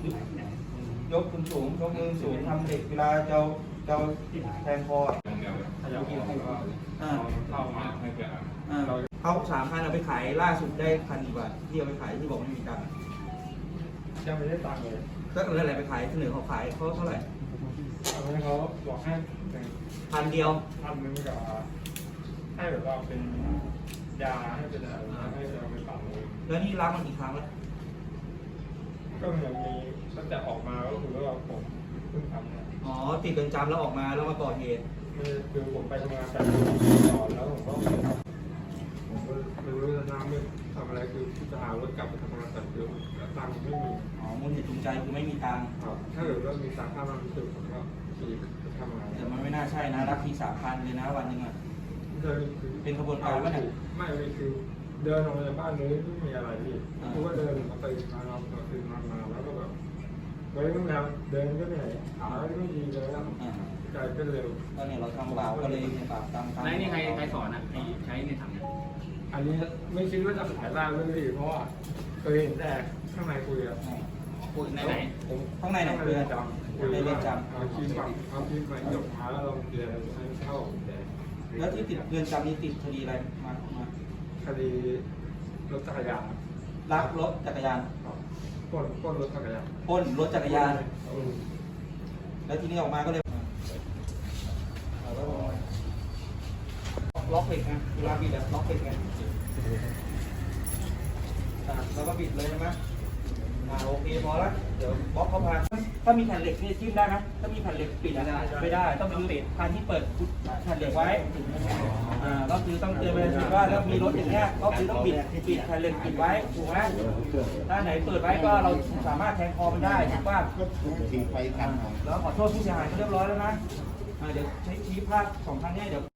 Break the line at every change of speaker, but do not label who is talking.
ยกสูงสูงยกมือสูงทำเหล็กเวลาจะแทงคอ
เข้ามาให้เกิด
เขา3,000เอาไปขายล่าสุดได้1,000 กว่าที่เอาไปขายที่บอกไม่มีตังค์
ยังไม่ได้ตังค์เลย
ก็อะไรไปขายเสนอเขาขายเขาเท่าไหร่
เอาให้เขาบอกให้
1,000 เดียว
1,000กับให้แบบว่าเป็นยาให้เป็นอะไรให้เราไปปรับเลย
แล้วนี่รับมันกี่ครั้งแล้ว
ก็เหมือนมีตั้งแต่ออกมาก็คือว่าผมเพิ่งทำเนี่ย
อ๋อติดเรือนจำแล้วออกมาแล้วมาก่อเหตุ
คือผมไปทำงานแต่ก่อนแล้วผมก็ไม่รู้จะทำอะไรคือจะหารถกลับไปทำงานแต่คือตังค์ไม่มี
มูลเหตุจูงใจคือไม่มีตังค์
ถ้าเกิดว่ามีตังค์ค่ามันคือผมก็ทำงาน
แต่มันไม่น่าใช่นะรับที3,000เลยนะวันนึงอ่ะเป็นขบวนการวะเนี่ย
ไม่คือเดินออกมาจากบ้านเลยไม่มีอะไรพี่คือว่าเดินมาตื่นมาเราตื่นมาแล้วก็แบบเฮ้ยต้องทำเดินก็เหนื่อยขาไม่ดีเลยแล้วใจก็เร็ว
ก็เนี่ยเราทำบาปก็เลยบาปตาม
ไหนนี่ใครสอนอ่ะใช้ในถังเนี่ย
อันนี้ไม่คิดว่าจะขายได้เรื่องนี้เพราะว่าเคยเห็นแต่ข้างในคุยอะ
คุยไหน
ข้างในไหนเรือนจำในเรือนจำ
เอาคีย์มาจบมาแล้วเราเรียนให้เข้าแต่
แล้วที่ติดเรือนจำนี้ติดคดีอะไรมา
คดีรถจักรยาน
ลักรถจักรยาน
ปล้นรถจักรยาน
ปล้นรถจักรยานแล้วทีนี้ออกมาก็เลยล็อกเหล็กไงเวลาบิดล็อกเหล็กไงแล้วก็บิดเลยใช่ไหมโอเคพอแล้วเดี๋ยวบล็อกเขาพาถ้ามีแผ่นเหล็กนี่จิ้มได้ไหมถ้ามีแผ่นเหล็กปิดไม่ได้ต้องปิดพานที่เปิดแผ่นเหล็กไว้ก็คือต้องเตือนไปเลยว่าถ้ามีรถอย่างเงี้ยก็คือต้องปิดแผ่นเหล็กปิดไว้ถูกไหมถ้าไหนเปิดไว้ก็เราสามารถแทงคอมันได้ถูกป่ะแล้วขอโทษผู้เสียหายเขาเรียบร้อยแล้วนะเดี๋ยวใช้ชี้ภาพ2 ครั้งนี้เดี๋ยว